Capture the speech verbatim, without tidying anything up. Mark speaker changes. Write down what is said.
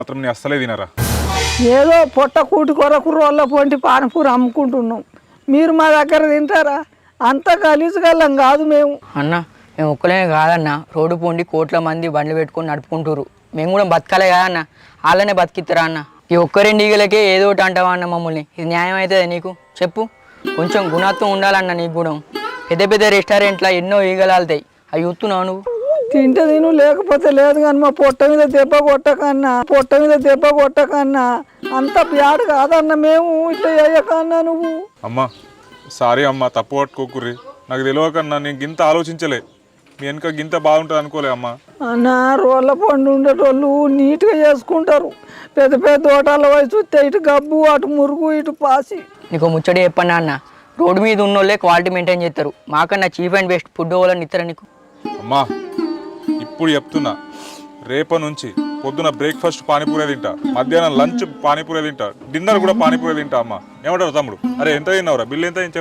Speaker 1: మాత్రం నీ అస్సలే తినరా.
Speaker 2: ఏదో పొట్ట కూటి కొరకు రోళ్ళ పొంటి పానపూరి అమ్ముకుంటున్నాం, మీరు మా దగ్గర తింటారా? అంత గలీజుగల్లం కాదు మేము.
Speaker 3: అన్న మేము ఒక్కలేమే కాదన్న, రోడ్డు పోండి కోట్ల మంది బండ్లు పెట్టుకొని నడుపుకుంటారు, మేము కూడా బతకాలే కాదన్న, వాళ్ళనే బతికిస్తారా అన్న? ఈ ఒక్క రెండు ఈగలకే ఏదో ఒకటి అంటావా అన్న మమ్మల్ని? ఇది న్యాయం అవుతుంది నీకు చెప్పు? కొంచెం గుణత్వం ఉండాలన్న నీకు కూడా. పెద్ద పెద్ద రెస్టారెంట్లో ఎన్నో ఈగలు ఆలుతాయి, అవి చూస్తున్నావు నువ్వు?
Speaker 2: తింటే తిను లేకపోతే లేదు, కానీ మా పొట్ట మీద దెబ్బ కొట్టకన్నా, పొట్ట మీద దెబ్బ కొట్టకన్నా, అంత బ్యాడ్ కాదన్న మేము, ఇట్లా చేయకన్నా నువ్వు.
Speaker 1: అమ్మా సారీ అమ్మా, తప్పు పట్టుకోకుర్రి, నాకు తెలియకన్నా నేను గింత ఆలోచించలే, మీ వెనక గింత బాగుంటుంది అనుకోలే అమ్మా.
Speaker 2: అన్న రోళ్ళ పండు ఉండేటోళ్ళు నీట్గా చేసుకుంటారు, పెద్ద పెద్ద హోటళ్ళ పోయి చూస్తే ఇటు గబ్బు అటు మురుగు ఇటు పాసి.
Speaker 3: నీకు ముచ్చడి చెప్పన్నా అన్న, రోడ్డు మీద ఉన్నోళ్ళే క్వాలిటీ మెయింటైన్ చేస్తారు, మాకన్నా చీప్ అండ్ బెస్ట్ ఫుడ్ వాళ్ళని ఇస్తారా నీకు?
Speaker 1: అమ్మా ఇప్పుడు చెప్తున్నా, రేప నుంచి పొద్దున బ్రేక్ఫాస్ట్ పానీపూరే తింటా, మధ్యాహ్నం లంచ్ పానీపూరే తింటా, డిన్నర్ కూడా పానీపూరే తింటా అమ్మా. ఏమంటారు తమ్ముడు? అరే ఎంత తిన్నావురా, బిల్లు ఎంత?